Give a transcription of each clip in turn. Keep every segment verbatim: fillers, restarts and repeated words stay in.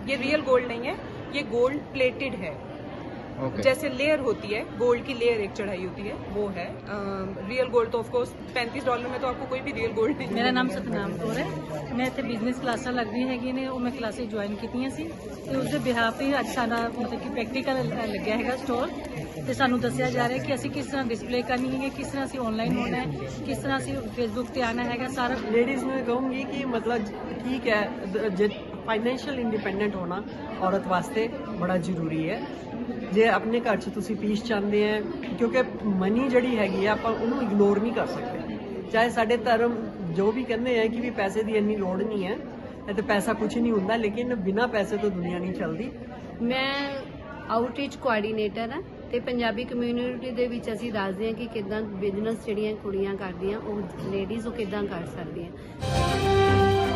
ये real gold नहीं है, ये गोल्ड प्लेटेड है। ओके। जैसे लेयर होती है, गोल्ड की लेयर एक चढ़ाई होती है, वो है। रियल गोल्ड तो ऑफकोर्स पैंतीस डॉलर में तो आपको कोई भी रियल गोल्ड नहीं। मेरा नाम सतनाम कौर है। मैं ਇੱਥੇ ਬਿਜ਼ਨਸ ਕਲਾਸਾਂ ਲੱਗਦੀਆਂ ਹੈਗੀਆਂ ਨੇ, ਉਹ ਮੈਂ ਕਲਾਸਿਸ ਜੁਆਇਨ ਕੀਤੀਆਂ ਸੀ ਤੇ ਉਸ ਦੇ ਬਿਹਾਫ ਹੀ ਅੱਜ ਸਾਡਾ ਮਤਲਬ ਕਿ ਪ੍ਰੈਕਟੀਕਲ ਲੱਗਿਆ ਹੈਗਾ ਸਟੋਰ ਤੇ ਸਾਨੂੰ ਦੱਸਿਆ ਜਾ ਰਿਹਾ ਕਿ ਅਸੀਂ ਕਿਸ ਤਰ੍ਹਾਂ ਡਿਸਪਲੇ ਕਰਨੀ ਹੈ, ਕਿਸ ਤਰ੍ਹਾਂ ਅਸੀਂ ਆਨਲਾਈਨ ਹੋਣਾ ਹੈ, ਕਿਸ ਤਰ੍ਹਾਂ ਅਸੀਂ ਫੇਸਬੁੱਕ ਤੇ ਆਣਾ ਹੈਗਾ ਸਾਰਾ। लेडीज़ में कहूँगी कि मतलब ठीक है, फाइनैशियल इंडिपेंडेंट होना औरत वास्ते बड़ा ਜ਼ਰੂਰੀ है। ਜੇ ਆਪਣੇ ਘਰ 'ਚ ਤੁਸੀਂ ਪੀਸ ਚਾਹੁੰਦੇ ਆ, ਕਿਉਂਕਿ ਮਨੀ ਜਿਹੜੀ ਹੈਗੀ ਆ ਆਪਾਂ ਉਹਨੂੰ ਇਗਨੋਰ ਨਹੀਂ ਕਰ ਸਕਦੇ। ਚਾਹੇ ਸਾਡੇ ਧਰਮ ਜੋ ਵੀ ਕਹਿੰਦੇ ਆ ਕਿ ਵੀ ਪੈਸੇ ਦੀ ਇੰਨੀ ਲੋੜ ਨਹੀਂ ਹੈ, ਤੇ ਪੈਸਾ ਕੁਝ ਨਹੀਂ ਹੁੰਦਾ, ਲੇਕਿਨ ਬਿਨਾ ਪੈਸੇ ਤੋਂ ਦੁਨੀਆ ਨਹੀਂ ਚੱਲਦੀ। ਮੈਂ ਆਊਟਰੀਚ ਕੋਆਰਡੀਨੇਟਰ ਹਾਂ ਤੇ ਪੰਜਾਬੀ ਕਮਿਊਨਿਟੀ ਦੇ ਵਿੱਚ ਅਸੀਂ ਦੱਸਦੇ ਹਾਂ ਕਿ ਕਿੱਦਾਂ ਬਿਜ਼ਨਸ ਜਿਹੜੀਆਂ ਕੁੜੀਆਂ ਕਰਦੀਆਂ, ਉਹ ਲੇਡੀਜ਼ ਉਹ ਕਿੱਦਾਂ ਕਰ ਸਕਦੀਆਂ।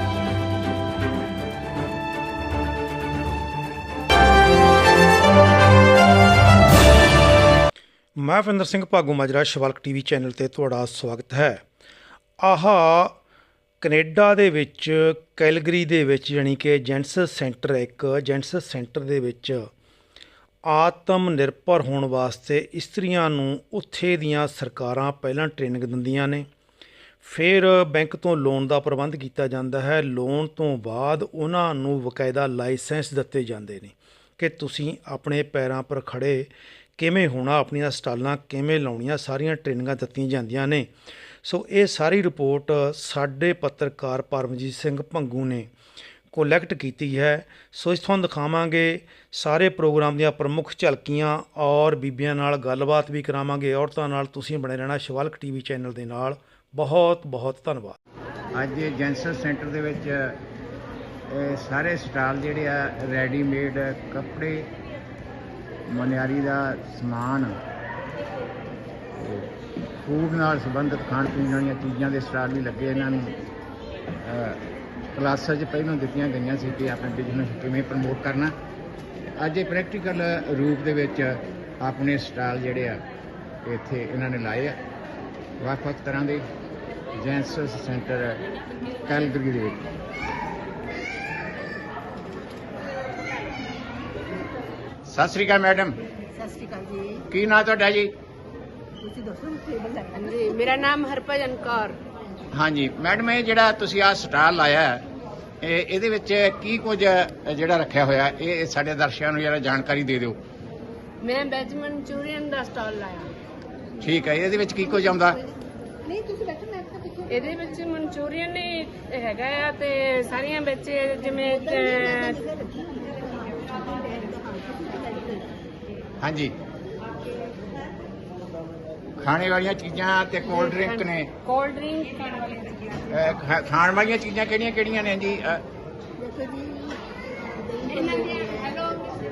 ਮੈਂ ਵਿੰਦਰ ਸਿੰਘ ਭਾਗੂ ਮਾਜਰਾ ਸ਼ਿਵਾਲਕ ਟੀਵੀ ਚੈਨਲ ਤੇ ਤੁਹਾਡਾ ਸਵਾਗਤ ਹੈ। ਆਹ ਕੈਨੇਡਾ ਦੇ ਵਿੱਚ ਕੈਲਗਰੀ ਦੇ ਵਿੱਚ ਯਾਨੀ ਕਿ ਜੈਂਟਸ ਸੈਂਟਰ, ਇੱਕ ਜੈਂਟਸ ਸੈਂਟਰ ਦੇ ਵਿੱਚ ਆਤਮ ਨਿਰਭਰ ਹੋਣ ਵਾਸਤੇ ਇਸਤਰੀਆਂ ਨੂੰ ਉੱਥੇ ਦੀਆਂ ਸਰਕਾਰਾਂ ਪਹਿਲਾਂ ਟ੍ਰੇਨਿੰਗ ਦਿੰਦੀਆਂ ਨੇ, ਫਿਰ ਬੈਂਕ ਤੋਂ ਲੋਨ ਦਾ ਪ੍ਰਬੰਧ ਕੀਤਾ ਜਾਂਦਾ ਹੈ। ਲੋਨ ਤੋਂ ਬਾਅਦ ਉਹਨਾਂ ਨੂੰ ਬਕਾਇਦਾ ਲਾਇਸੈਂਸ ਦਿੱਤੇ ਜਾਂਦੇ ਨੇ ਕਿ ਤੁਸੀਂ ਆਪਣੇ ਪੈਰਾਂ ਪਰ ਖੜ੍ਹੇ ਕਿਵੇਂ ਹੋਣਾ, ਆਪਣੀਆਂ ਸਟਾਲਾਂ ਕਿਵੇਂ ਲਾਉਣੀਆਂ, ਸਾਰੀਆਂ ਟ੍ਰੇਨਿੰਗਾਂ ਦਿੱਤੀਆਂ ਜਾਂਦੀਆਂ ਨੇ। ਸੋ ਇਹ ਸਾਰੀ ਰਿਪੋਰਟ ਸਾਡੇ ਪੱਤਰਕਾਰ ਪਰਮਜੀਤ ਸਿੰਘ ਭੰਗੂ ਨੇ ਕੋਲੈਕਟ ਕੀਤੀ ਹੈ। ਸੋ ਇਸ ਤੁਹਾਨੂੰ ਦਿਖਾਵਾਂਗੇ ਸਾਰੇ ਪ੍ਰੋਗਰਾਮ ਦੀਆਂ ਪ੍ਰਮੁੱਖ ਝਲਕੀਆਂ ਔਰ ਬੀਬੀਆਂ ਨਾਲ ਗੱਲਬਾਤ ਵੀ ਕਰਾਵਾਂਗੇ। ਔਰਤਾਂ ਨਾਲ ਤੁਸੀਂ ਬਣੇ ਰਹਿਣਾ ਸ਼ਿਵਾਲਕ ਟੀਵੀ ਚੈਨਲ ਦੇ ਨਾਲ। ਬਹੁਤ ਬਹੁਤ ਧੰਨਵਾਦ। ਅੱਜ ਜੈਂਟਸ ਸੈਂਟਰ ਦੇ ਵਿੱਚ ਇਹ ਸਾਰੇ ਸਟਾਲ ਜਿਹੜੇ ਆ ਰੈਡੀਮੇਡ ਕੱਪੜੇ, ਮਨਿਆਰੀ ਦਾ ਸਮਾਨ, ਫੂਡ ਨਾਲ ਸੰਬੰਧਿਤ ਖਾਣ ਪੀਣ ਵਾਲੀਆਂ ਚੀਜ਼ਾਂ ਦੇ ਸਟਾਲ ਵੀ ਲੱਗੇ। ਇਹਨਾਂ ਨੂੰ ਕਲਾਸਾਂ 'ਚ ਪਹਿਲਾਂ ਦਿੱਤੀਆਂ ਗਈਆਂ ਸੀ ਕਿ ਆਪਣੇ ਬਿਜ਼ਨਸ ਕਿਵੇਂ ਪ੍ਰਮੋਟ ਕਰਨਾ। ਅੱਜ ਇਹ ਪ੍ਰੈਕਟੀਕਲ ਰੂਪ ਦੇ ਵਿੱਚ ਆਪਣੇ ਸਟਾਲ ਜਿਹੜੇ ਆ ਇੱਥੇ ਇਹਨਾਂ ਨੇ ਲਾਏ ਆ ਵੱਖ ਵੱਖ ਤਰ੍ਹਾਂ ਦੇ ਜੈਂਟਸ ਸੈਂਟਰ ਕੈਲਗਰੀ ਦੇ ਵਿੱਚ। ਸਤਿ ਸ਼੍ਰੀ ਅਕਾਲ ਮੈਡਮ। ਸਤਿ ਸ਼੍ਰੀ ਅਕਾਲ ਜੀ। ਕੀ ਨਾਂ ਤੁਹਾਡਾ ਜੀ? ਤੁਸੀਂ ਦੱਸੋ ਜੀ। ਮੇਰਾ ਨਾਮ ਹਰਭਜਨ ਕੌਰ। ਹਾਂਜੀ ਮੈਡਮ, ਇਹ ਜਿਹੜਾ ਤੁਸੀਂ ਆਹ ਸਟਾਲ ਲਾਇਆ ਇਹ ਇਹਦੇ ਵਿੱਚ ਕੀ ਕੁਝ ਜਿਹੜਾ ਰੱਖਿਆ ਹੋਇਆ, ਇਹ ਸਾਡੇ ਦਰਸ਼ਕਾਂ ਨੂੰ ਜਰਾ ਜਾਣਕਾਰੀ ਦੇ ਦਿਓ। ਮੈਂ ਵੈਜ ਮਨਚੂਰੀਅਨ ਦਾ ਸਟਾਲ ਲਾਇਆ। ਠੀਕ ਹੈ, ਇਹਦੇ ਵਿੱਚ ਕੀ ਕੁਝ ਆਉਂਦਾ? ਨਹੀਂ ਤੁਸੀਂ ਬੈਠੋ, ਮੈਂ ਇਹਦੇ ਵਿੱਚ ਮਨਚੂਰੀਅਨ ਹੀ ਹੈਗਾ ਆ ਤੇ ਸਾਰੀਆਂ ਵਿੱਚ ਜਿਵੇਂ ਹਾਂਜੀ ਖਾਣੇ ਵਾਲੀਆਂ ਚੀਜ਼ਾਂ ਤੇ ਕੋਲਡ ਡਰਿੰਕ ਨੇ। ਕੋਲਡ ਡਰਿੰਕ ਅਹ, ਖਾ- ਖਾਣ ਵਾਲੀਆਂ ਚੀਜ਼ਾਂ ਕਿਹੜੀਆਂ ਕਿਹੜੀਆਂ ਨੇ ਜੀ? ਅਹ, ਇਹਨਾਂ ਦੀ ਹੈਲੋ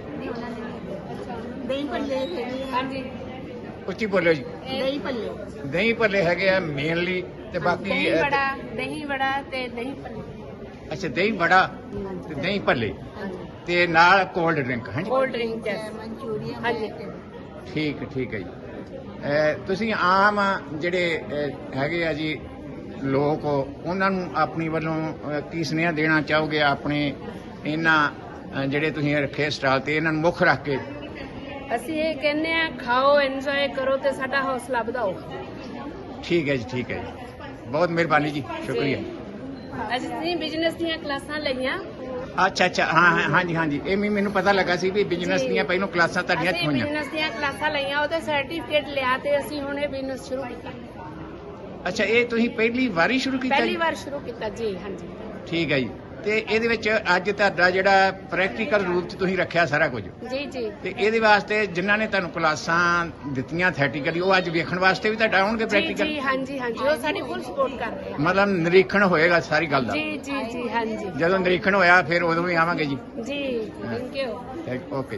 ਦਹੀਂ ਭੱਲੇ। ਹਾਂਜੀ ਉੱਚੀ ਬੋਲਿਓ ਜੀ। ਦਹੀਂ ਭੱਲੇ, ਦਹੀਂ ਭੱਲੇ ਹੈਗੇ ਆ ਮੇਨਲੀ, ਤੇ ਬਾਕੀ ਦਹੀਂ ਅਹ, ਵੜਾ, ਦਹੀਂ ਵੜਾ ਤੇ ਦਹੀਂ ਭੱਲੇ। ਅੱਛਾ ਦਹੀਂ ਵੜਾ ਤੇ ਦਹੀਂ ਭੱਲੇ ਤੇ ਨਾਲ ਕੋਲਡ ਡਰਿੰਕ। ਹਾਂਜੀ ਕੋਲਡ ਡਰਿੰਕ ਮਨਚੂਰੀਅਨ। ਹਾਂਜੀ ਠੀਕ ਠੀਕ ਹੈ ਜੀ। ਅਹ, ਤੁਸੀਂ ਆਮ ਜਿਹੜੇ ਅਹ, ਹੈਗੇ ਆ ਜੀ ਲੋਕ, ਉਹਨਾਂ ਨੂੰ ਆਪਣੀ ਵੱਲੋਂ ਅਹ, ਕੀ ਸੁਨੇਹਾ ਦੇਣਾ ਚਾਹੋਗੇ ਆਪਣੇ ਇਹਨਾਂ ਅਹ, ਜਿਹੜੇ ਤੁਸੀਂ ਰੱਖੇ ਸਟਾਲ ਤੇ ਇਹਨਾਂ ਨੂੰ ਮੁੱਖ ਰੱਖ ਕੇ? ਅਸੀਂ ਇਹ ਕਹਿੰਦੇ ਆ ਖਾਓ, ਇੰਜੋਏ ਕਰੋ ਤੇ ਸਾਡਾ ਹੌਸਲਾ ਵਧਾਓ। ਠੀਕ ਹੈ ਜੀ, ਠੀਕ ਹੈ ਜੀ, ਬਹੁਤ ਮਿਹਰਬਾਨੀ ਜੀ, ਸ਼ੁਕਰੀਆ। ਅਸੀਂ ਬਿਜ਼ਨਸ ਦੀਆਂ ਕਲਾਸਾਂ ਲਈਆਂ। ਅੱਛਾ ਅੱਛਾ, ਹਾਂ ਹਾਂ ਹਾਂਜੀ ਹਾਂਜੀ, ਇਹ ਵੀ ਮੈਨੂੰ ਪਤਾ ਲੱਗਾ ਸੀ ਵੀ ਬਿਜ਼ਨਸ ਦੀਆਂ ਪਹਿਲਾਂ ਕਲਾਸਾਂ ਤੁਹਾਡੀਆਂ ਅਸੀਂ ਹੋਈਆਂ। ਬਿਜ਼ਨਸ ਦੀਆਂ ਕਲਾਸਾਂ ਲਈਆਂ, ਉਹਦਾ ਸਰਟੀਫਿਕੇਟ ਲਿਆ ਤੇ ਅਸੀਂ ਹੁਣ ਇਹ ਬਿਜ਼ਨਸ ਸ਼ੁਰੂ ਕੀਤਾ। ਅੱਛਾ, ਇਹ ਤੁਸੀਂ ਪਹਿਲੀ ਵਾਰੀ ਸ਼ੁਰੂ ਕੀਤਾ ਪਹਿਲੀ ਜੀ? ਵਾਰ ਸ਼ੁਰੂ ਕੀਤਾ ਜੀ। ਹਾਂਜੀ ਠੀਕ ਹੈ ਜੀ। ਤੇ ਇਹਦੇ ਵਿੱਚ ਅੱਜ ਤੁਹਾਡਾ ਜਿਹੜਾ ਪ੍ਰੈਕਟੀਕਲ ਰੂਪ 'ਚ ਤੁਸੀਂ ਰੱਖਿਆ ਸਾਰਾ ਕੁਝ, ਜੀ ਜੀ। ਤੇ ਇਹਦੇ ਵਾਸਤੇ ਜਿਨ੍ਹਾਂ ਨੇ ਤੁਹਾਨੂੰ ਕਲਾਸਾਂ ਦਿੱਤੀਆਂ ਥੈਟੀਕਲੀ, ਉਹ ਅੱਜ ਵੇਖਣ ਵਾਸਤੇ ਵੀ ਤੁਹਾਡਾ ਆਉਣਗੇ ਜੀ ਪ੍ਰੈਕਟੀਕਲ? ਜੀ ਹਾਂਜੀ ਹਾਂਜੀ, ਉਹ ਸਾਡੀ ਫੁੱਲ ਸਪੋਰਟ ਕਰ ਰਹੇ ਆ। ਮਤਲਬ ਨਿਰੀਖਣ ਹੋਏਗਾ ਸਾਰੀ ਗੱਲ ਦਾ? ਜੀ ਜੀ ਜੀ ਹਾਂਜੀ ਜਦੋਂ ਨਿਰੀਖਣ ਹੋਇਆ ਫਿਰ ਉਦੋਂ ਵੀ ਆਵਾਂਗੇ ਜੀ। ਜੀ, ਥੈਂਕ ਯੂ। ਓਕੇ।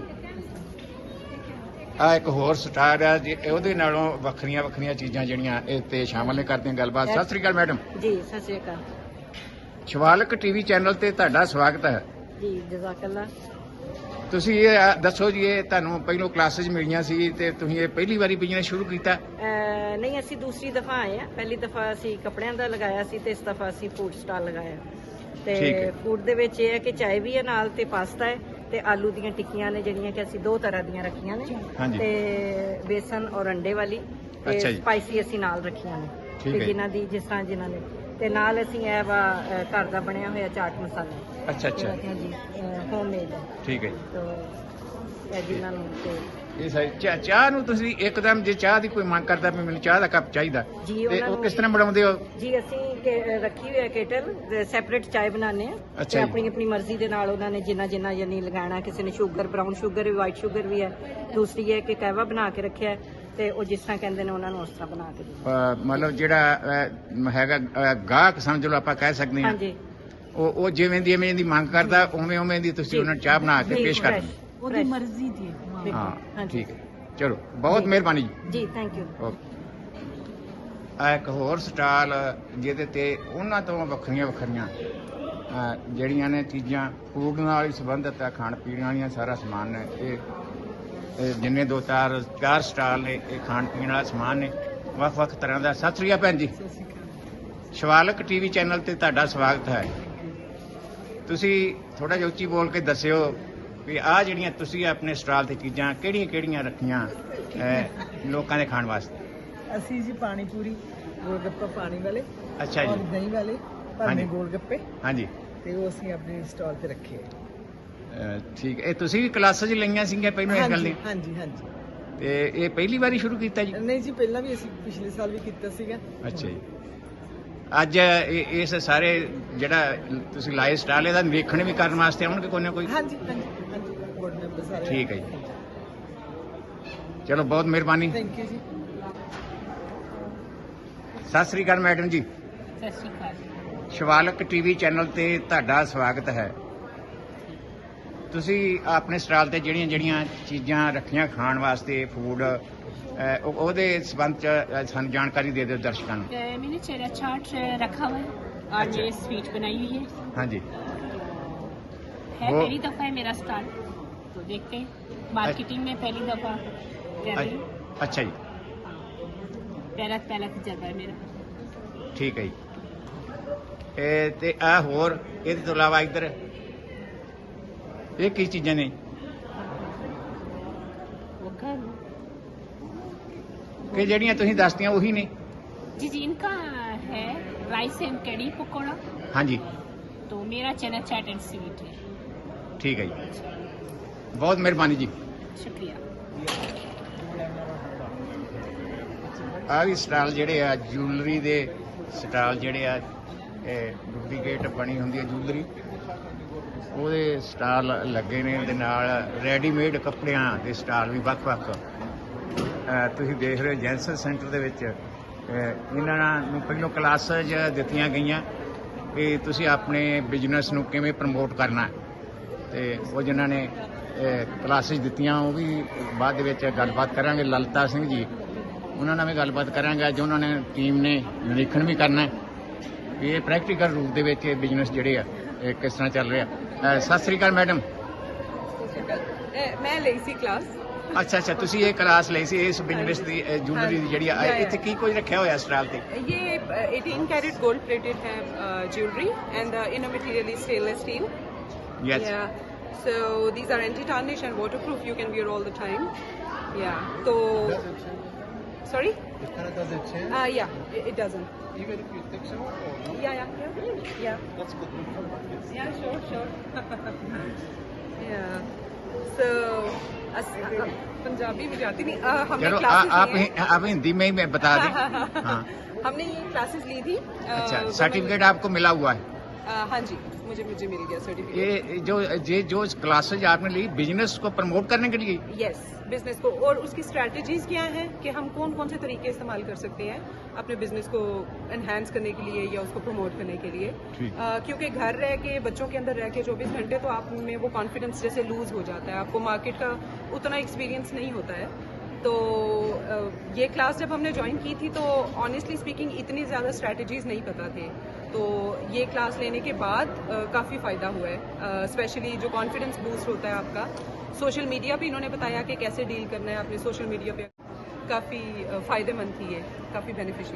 ਆ ਇੱਕ ਹੋਰ ਸਟਾਰ ਆ ਜੀ, ਉਹਦੇ ਨਾਲੋਂ ਵੱਖਰੀਆਂ ਵੱਖਰੀਆਂ ਚੀਜ਼ਾਂ ਜਿਹੜੀਆਂ ਇਹ ਤੇ ਸ਼ਾਮਲ ਨੇ, ਕਰਦੇ ਹਾਂ ਗੱਲਬਾਤ। ਸਤਿ ਸ੍ਰੀ ਅਕਾਲ ਮੈਡਮ। ਜੀ ਸਤਿ ਸ਼੍ਰੀ ਅਕਾਲ ਸ਼ਿਵਾਲਕ ਟੀਵੀ ਚੈਨਲ ਤੇ ਤੁਹਾਡਾ ਸਵਾਗਤ ਹੈ ਜੀ। ਜਜ਼ਾਕੱਲਾ। ਤੁਸੀਂ ਇਹ ਦੱਸੋ ਜੀ, ਇਹ ਤੁਹਾਨੂੰ ਪਹਿਲੋਂ ਕਲਾਸਿਸ ਮਿਲੀਆਂ ਸੀ ਤੇ ਤੁਸੀਂ ਇਹ ਪਹਿਲੀ ਵਾਰੀ ਬਿਜ਼ਨਸ ਸ਼ੁਰੂ ਕੀਤਾ? ਅਹ ਨਹੀਂ, ਅਸੀਂ ਦੂਸਰੀ ਦਫਾ ਆਏ ਆ। ਪਹਿਲੀ ਦਫਾ ਅਸੀਂ ਕੱਪੜਿਆਂ ਦਾ ਲਗਾਇਆ ਸੀ ਤੇ ਇਸ ਦਫਾ ਅਸੀਂ ਫੂਡ ਸਟਾਲ ਲਗਾਇਆ। ਤੇ ਠੀਕ ਹੈ। ਫੂਡ ਦੇ ਵਿੱਚ ਇਹ ਹੈ ਕਿ ਚਾय ਵੀ ਹੈ ਨਾਲ ਤੇ ਪਾਸਤਾ ਹੈ ਤੇ ਆਲੂ ਦੀਆਂ ਟਿੱਕੀਆਂ ਨੇ ਜਿਹੜੀਆਂ ਕਿ ਅਸੀਂ ਦੋ ਤਰ੍ਹਾਂ ਦੀਆਂ ਰੱਖੀਆਂ ਨੇ ਹਾਂਜੀ। ਤੇ ਬੇਸਨ ਔਰ ਅੰਡੇ ਵਾਲੀ ਅੱਛਾ ਤੇ ਜੀ। ਸਪਾਈਸੀ ਅਸੀਂ ਨਾਲ ਰੱਖੀਆਂ ਨੇ ਠੀਕ ਤੇ ਹੈ। ਜਿਨ੍ਹਾਂ ਦੀ ਜਿਸ ਤਰ੍ਹਾਂ ਜਿਨ੍ਹਾਂ ਨੇ ਤੇ ਨਾਲ ਅਸੀਂ ਇਹ ਵਾ ਅ, ਘਰ ਦਾ ਬਣਿਆ ਹੋਇਆ ਚਾਟ ਮਸਾਲਾ ਅੱਛਾ ਅੱਛਾ ਹਾਂਜੀ ਹੋਮਮੇਡ ਠੀਕ ਹੈ ਜੀ। ਤੋ ਇਹ ਜਿਨ੍ਹਾਂ ਨੂੰ ਤੇ ਇਹ ਸਾਰੀ ਚਾਹ ਚਾਹ ਨੂੰ ਤੁਸੀਂ ਇੱਕਦਮ ਜੇ ਚਾਹ ਦੀ ਕੋਈ ਮੰਗ ਕਰਦਾ ਵੀ ਮੈਨੂੰ ਚਾਹ ਦਾ ਕੱਪ ਚਾਹੀਦਾ ਜੀ, ਤੇ ਉਹਨਾਂ ਉਹ ਨੂੰ- ਕਿਸ ਤਰ੍ਹਾਂ ਬਣਾਉਂਦੇ ਹੋ? ਜੀ ਅਸੀਂ ਕੇ- ਰੱਖੀ ਹੋਈ ਹੈ ਕੇਟਲ ਸੈਪਰੇਟ ਚਾय ਬਣਾਉਂਦੇ ਆ ਅੱਛਾ ਤੇ ਜੀ। ਆਪਣੀ ਆਪਣੀ ਮਰਜ਼ੀ ਦੇ ਨਾਲ ਉਹਨਾਂ ਨੇ ਜਿੰਨਾ ਜਿੰਨਾ ਯਾਨੀ ਲਗਾਉਣਾ ਕਿਸੇ ਨੇ ਸ਼ੂਗਰ ਬਰਾਊਨ ਸ਼ੂਗਰ ਵੀ ਵਾਈਟ ਸ਼ੂਗਰ ਵੀ ਹੈ ਦੂਸਰੀ ਹੈ ਕਿ ਕਹਿਵਾ ਬਣਾ ਕੇ ਰੱਖਿਆ ਹੈ ਤੇ ਉਹ ਜਿਸ ਤਰ੍ਹਾਂ ਕਹਿੰਦੇ ਨੇ ਉਹਨਾਂ ਨੂੰ ਉਸ ਤਰ੍ਹਾਂ ਬਣਾ ਕੇ ਦਿੰਦੇ ਅਹ ਮਤਲਬ ਜਿਹੜਾ ਅਹ, ਹੈਗਾ ਅਹ, ਗਾਹਕ ਸਮਝ ਲਓ ਆਪਾਂ ਕਹਿ ਸਕਦੇ ਹਾਂ ਹਾਂਜੀ ਉਹ ਉਹ ਜਿਵੇਂ ਦੀ ਐਵੇਂ ਦੀ ਮੰਗ ਕਰਦਾ ਉਵੇਂ ਉਵੇਂ ਦੀ ਤੁਸੀਂ ਉਹਨਾਂ ਨੂੰ ਚਾਹ ਬਣਾ ਕੇ ਜੀ, ਪੇਸ਼ ਕਰ fresh, ਦਿੰਦੇ ਉਹਦੀ fresh। ਮਰਜ਼ੀ ਦੀ ਹੈ। ਦੇਖੋ, ਹਾਂ ਹਾਂਜੀ। ਠੀਕ ਹੈ ਚਲੋ ਬਹੁਤ ਮਿਹਰਬਾਨੀ ਜੀ ਜੀ ਥੈਂਕ ਯੂ ਓਕੇ ਆ ਇੱਕ ਹੋਰ ਸਟਾਲ ਜਿਹਦੇ ਤੇ ਉਹਨਾਂ ਤੋਂ ਵੱਖਰੀਆਂ ਵੱਖਰੀਆਂ ਅਹ, ਜਿਹੜੀਆਂ ਨੇ ਚੀਜ਼ਾਂ ਫੂਡ ਨਾਲ ਹੀ ਸੰਬੰਧਿਤ ਆ ਖਾਣ ਪੀਣ ਵਾਲੀਆਂ ਸਾਰਾ ਸਮਾਨ ਨੇ ਇਹ ਇਹ ਜਿੰਨੇ ਦੋ ਚਾਰ ਚਾਰ ਸਟਾਲ ਨੇ ਇਹ ਖਾਣ ਪੀਣ ਵਾਲਾ ਸਮਾਨ ਨੇ ਵੱਖ ਵੱਖ ਤਰ੍ਹਾਂ ਦਾ। ਸਤਿ ਸ੍ਰੀ ਅਕਾਲ ਭੈਣ ਜੀ। ਸ਼ਿਵਾਲਕ ਟੀਵੀ ਚੈਨਲ ਤੇ ਤੁਹਾਡਾ ਸਵਾਗਤ ਹੈ। ਤੁਸੀਂ ਥੋੜਾ ਜਿਹਾ ਉੱਚੀ ਬੋਲ ਕੇ ਦੱਸਿਓ ਵੀ ਆਹ ਜਿਹੜੀਆਂ ਤੁਸੀਂ ਆਪਣੇ ਸਟਾਲ ਤੇ ਚੀਜ਼ਾਂ ਕਿਹੜੀਆਂ ਕਿਹੜੀਆਂ ਰੱਖੀਆਂ ਅਹ, ਲੋਕਾਂ ਦੇ ਖਾਣ ਵਾਸਤੇ? ਅਸੀਂ ਜੀ ਪਾਣੀ ਪੂਰੀ ਗੋਲਗੱਪਾ ਪਾਣੀ ਵਾਲੇ ਅੱਛਾ ਔਰ ਜੀ। ਦਹੀਂ ਵਾਲੇ ਹਾਂਜੀ। ਭਰਵੇਂ ਗੋਲਗੱਪੇ ਹਾਂਜੀ ਤੇ ਉਹ ਅਸੀਂ ਆਪਣੇ ਸਟਾਲ ਤੇ ਰੱਖੇ ਆ। ਅਹ, ਠੀਕ ਹੈ। ਇਹ ਤੁਸੀਂ ਵੀ ਕਲਾਸਾਂ 'ਚ ਲਈਆਂ ਸੀਗੀਆਂ ਪਹਿਲਾਂ ਇਸ ਗੱਲ ਹਾਂਜੀ ਦੀ? ਹਾਂਜੀ ਹਾਂਜੀ ਤੇ ਇਹ ਪਹਿਲੀ ਵਾਰੀ ਸ਼ੁਰੂ ਕੀਤਾ ਜੀ? ਨਹੀਂ ਜੀ ਪਹਿਲਾਂ ਵੀ ਅਸੀਂ ਪਿਛਲੇ ਸਾਲ ਵੀ ਕੀਤਾ ਸੀਗਾ। ਅੱਛਾ ਜੀ। ਅੱਜ ਇਹ- ਇਸ ਸਾਰੇ ਜਿਹੜਾ ਤੁਸੀਂ ਲਾਏ ਸਟਾਲ ਇਹਦਾ ਨਿਰੀਖਣ ਵੀ ਕਰਨ ਵਾਸਤੇ ਆਉਣਗੇ ਕੋਈ ਨਾ ਕੋਈ? ਹਾਂਜੀ ਹਾਂਜੀ ਹਾਂਜੀ ਬੋਰਡ ਮੈਂਬਰ ਸਾਰੇ। ਠੀਕ ਹੈ ਜੀ। ਚਲੋ ਬਹੁਤ ਮਿਹਰਬਾਨੀ। ਥੈਂਕ ਯੂ ਜੀ। ਸਤਿ ਸ੍ਰੀ ਅਕਾਲ ਮੈਡਮ ਜੀ। ਸਤਿ ਸ਼੍ਰੀ ਅਕਾਲ। ਸ਼ਿਵਾਲਕ ਟੀਵੀ ਚੈਨਲ ਤੇ ਤੁਹਾਡਾ ਸਵਾਗਤ ਹੈ। ਤੁਸੀਂ ਆਪਣੇ ਸਟਾਲ ਤੇ ਜਿਹੜੀਆਂ ਜਿਹੜੀਆਂ ਚੀਜ਼ਾਂ ਰੱਖੀਆਂ ਖਾਣ ਵਾਸਤੇ ਫੂਡ ਉਹਦੇ ਸੰਬੰਧ ਚ ਅ, ਸਾਨੂੰ ਜਾਣਕਾਰੀ ਦੇ ਦਿਓ ਦਰਸ਼ਕਾਂ ਨੂੰ। अ, मैंने चेरा चाट रखा हुआ है और अच्छा। ये स्वीट बनाई हुई है ਹਾਂਜੀ है वो- पहली दफ़ा है मेरा स्टार्ट तो देखते हैं मार्केटिंग में पहली दफ़ा कर रही हूँ ਅੱਛ- ਅੱਛਾ ਜੀ। पहला पहला तजर्बा है मेरा। ਠੀਕ ਹੈ ਜੀ। ਇਹ ਤੇ ਆ ਹੋਰ ਇਹਦੇ ਤੋਂ ਇਲਾਵਾ ਇੱਧਰ ਇਹ ਕੀ ਚੀਜ਼ਾਂ ਨੇ वो घर ਕਿ ਜਿਹੜੀਆਂ ਤੁਸੀਂ ਦੱਸਦੀਆਂ ਉਹੀ ਨੇ? जी जी इनका है राइस एंड कड़ी पकौड़ा ਹਾਂਜੀ तो मेरा चना चाट एंड स्वीट है। ਠੀਕ ਹੈ ਜੀ। ਬਹੁਤ ਮਿਹਰਬਾਨੀ ਜੀ। शुक्रिया। ਆ ਵੀ ਸਟਾਲ ਜਿਹੜੇ ਆ ਜੁਐਲਰੀ ਦੇ ਸਟਾਲ ਜਿਹੜੇ ਆ ਇਹ ਡੁਪਲੀਕੇਟ ਬਣੀ ਹੁੰਦੀ ਹੈ ਜੁਐਲਰੀ ਉਹਦੇ ਸਟਾਲ ਲੱਗੇ ਨੇ ਤੇ ਨਾਲ ਰੈਡੀਮੇਡ ਕੱਪੜਿਆਂ ਦੇ ਸਟਾਲ ਵੀ ਵੱਖ-ਵੱਖ ਅਹ ਤੁਸੀਂ ਦੇਖ ਰਹੇ ਹੋ ਜੈਂਸਨ ਸੈਂਟਰ ਦੇ ਵਿੱਚ ਅਹ ਇਹਨਾਂ ਨੂੰ ਪਹਿਲੋਂ ਕਲਾਸਾਂ ਦਿੱਤੀਆਂ ਗਈਆਂ ਕਿ ਤੁਸੀਂ ਆਪਣੇ ਬਿਜ਼ਨਸ ਨੂੰ ਕਿਵੇਂ ਪ੍ਰਮੋਟ ਕਰਨਾ ਤੇ ਉਹ ਜਿਨ੍ਹਾਂ ਨੇ ਕਲਾਸਿਸ ਦਿੱਤੀਆਂ ਉਹ ਵੀ ਬਾਅਦ ਦੇ ਵਿੱਚ ਗੱਲਬਾਤ ਕਰਾਂਗੇ। ਲਲਿਤਾ ਸਿੰਘ ਜੀ ਉਹਨਾਂ ਨਾਲ ਵੀ ਗੱਲਬਾਤ ਕਰਾਂਗੇ। ਅੱਜ ਉਹਨਾਂ ਨੇ ਟੀਮ ਨੇ ਨਿਰੀਖਣ ਵੀ ਕਰਨਾ ਵੀ ਇਹ ਪ੍ਰੈਕਟੀਕਲ ਰੂਪ ਦੇ ਵਿੱਚ ਇਹ ਬਿਜ਼ਨਸ ਜਿਹੜੇ ਆ ਇਹ ਕਿਸ ਤਰ੍ਹਾਂ ਚੱਲ ਰਿਹਾ। ਅਹ ਸਤਿ ਸ੍ਰੀ ਅਕਾਲ ਮੈਡਮ। Eh, मैं ली सी क्लास ਅੱਛਾ ਅੱਛਾ ਤੁਸੀਂ ਇਹ ਕਲਾਸ ਲਈ ਸੀ ਇਸ ਬਿਜ਼ਨਸ ਦੀ ਜੁਐਲਰੀ ਦੀ ਜਿਹੜੀ ਆ ਹਾਂ, ਹਾਂ। ਇੱਥੇ ਕੀ ਕੁਝ ਰੱਖਿਆ ਹੋਇਆ ਸਟਾਲ ਤੇ? ये eighteen कैरेट गोल्ड प्लेटेड है jewellery and the inner material is stainless steel. Yes Yeah. So these are anti-tarnish and waterproof. You can wear all the time. Yeah. So. Sorry? Uh, yeah. It, it doesn't. Even if you take some Yeah, yeah, yeah. Yeah. that's good. Yeah, sure, sure. yeah. So. अस, अ, पंजाबी में जाती नहीं. Uh, हमने चलो आ, classes आप ली ही- आप हिंदी में ही बता दें। हाँ हमने ये क्लासेस ली थी. uh, अच्छा women- सर्टिफिकेट आपको मिला हुआ है? uh, हाँ जी, मुझे मुझे मिल गया सर्टिफिकेट. ये जो ये जो क्लासेज आपने ली बिजनेस को प्रमोट करने के लिए? यस, बिजनेस को. और उसकी स्ट्रेटजीज क्या हैं कि हम कौन कौन से तरीके इस्तेमाल कर सकते हैं अपने बिजनेस को एनहांस करने के लिए या उसको प्रमोट करने के लिए. ठीक। अ, क्योंकि घर रह के बच्चों के अंदर रह के चौबीस घंटे तो आप में वो कॉन्फिडेंस जैसे लूज हो जाता है. आपको मार्केट का उतना एक्सपीरियंस नहीं होता है. तो अ, ये क्लास जब हमने ज्वाइन की थी तो ऑनेस्टली स्पीकिंग इतनी ज़्यादा स्ट्रैटेजीज नहीं पता थे. तो ये क्लास लेने के बाद काफ़ी फ़ायदा हुआ है. स्पेशली जो कॉन्फिडेंस बूस्ट होता है आपका. सोशल मीडिया पे इन्होंने बताया कि कैसे डील करना है अपने सोशल मीडिया पे. काफ़ी फ़ायदेमंद थी ये, काफ़ी बेनिफिशियल थी ये क्लास.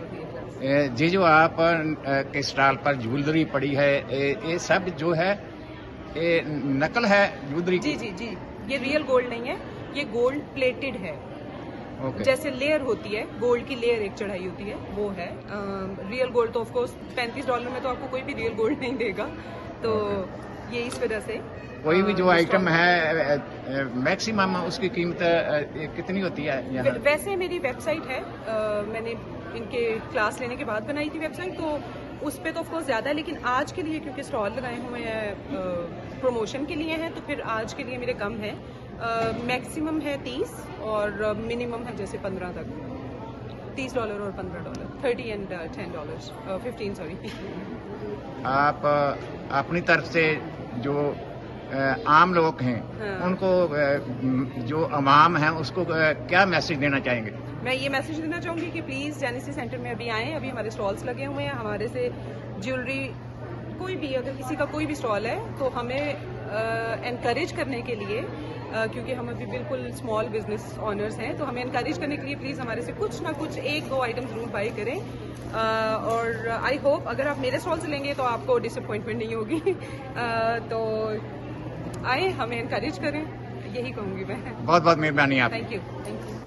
ए, ये जो आप अ, के स्टॉल पर ज्वेलरी पड़ी है, ए, ये सब जो है ये नकल है ज्वेलरी जी की? जी जी, ये रियल गोल्ड नहीं है, ये गोल्ड प्लेटेड है। ओके। जैसे लेयर होती है, गोल्ड की लेयर एक चढ़ाई होती है, वो है। रियल गोल्ड तो ऑफ कोर्स पैंतीस डॉलर में तो आपको कोई भी रियल गोल्ड नहीं देगा, तो ये इस वजह से कोई भी अ, जो ये आइटम स्टॉल- है मैक्सिमम उसकी कीमत अ, कितनी होती है यहाँ? वै- वैसे मेरी वेबसाइट है, अ, मैंने इनके क्लास लेने के बाद बनाई थी वेबसाइट, तो उस पे तो ऑफ कोर्स ज़्यादा है, लेकिन आज के लिए क्योंकि स्टॉल लगाए हुए हैं प्रमोशन के लिए हैं, तो फिर आज के लिए मेरे कम है। मैक्सिमम है तीस और मिनिमम है जैसे पंद्रह तक, तीस डॉलर और पंद्रह dollar, thirty and ten dollar, fifteen sorry. आप अ, अपनी तरफ से जो अ, आम लोग हैं हाँ। उनको अ, जो अवाम है उसको अ, क्या मैसेज देना चाहेंगे? मैं ये मैसेज देना चाहूँगी कि प्लीज़ जेनेसिस सेंटर में अभी आएँ, अभी हमारे स्टॉल्स लगे हुए हैं, हमारे से ज्वेलरी कोई भी, अगर किसी का कोई भी स्टॉल है तो हमें एनकरेज करने के लिए, अ, क्योंकि हम अभी बिल्कुल स्मॉल बिजनेस ऑनर्स हैं, तो हमें एनकरेज करने के लिए प्लीज़ हमारे से कुछ ना कुछ एक दो आइटम ज़रूर बाई करें। अ, और आई होप अगर आप मेरे स्टॉल से लेंगे तो आपको डिसअपॉइंटमेंट नहीं होगी। अ, तो आए, हमें एनकरेज करें, यही कहूँगी मैं। बहुत बहुत मेहरबानी आप। Thank you thank you.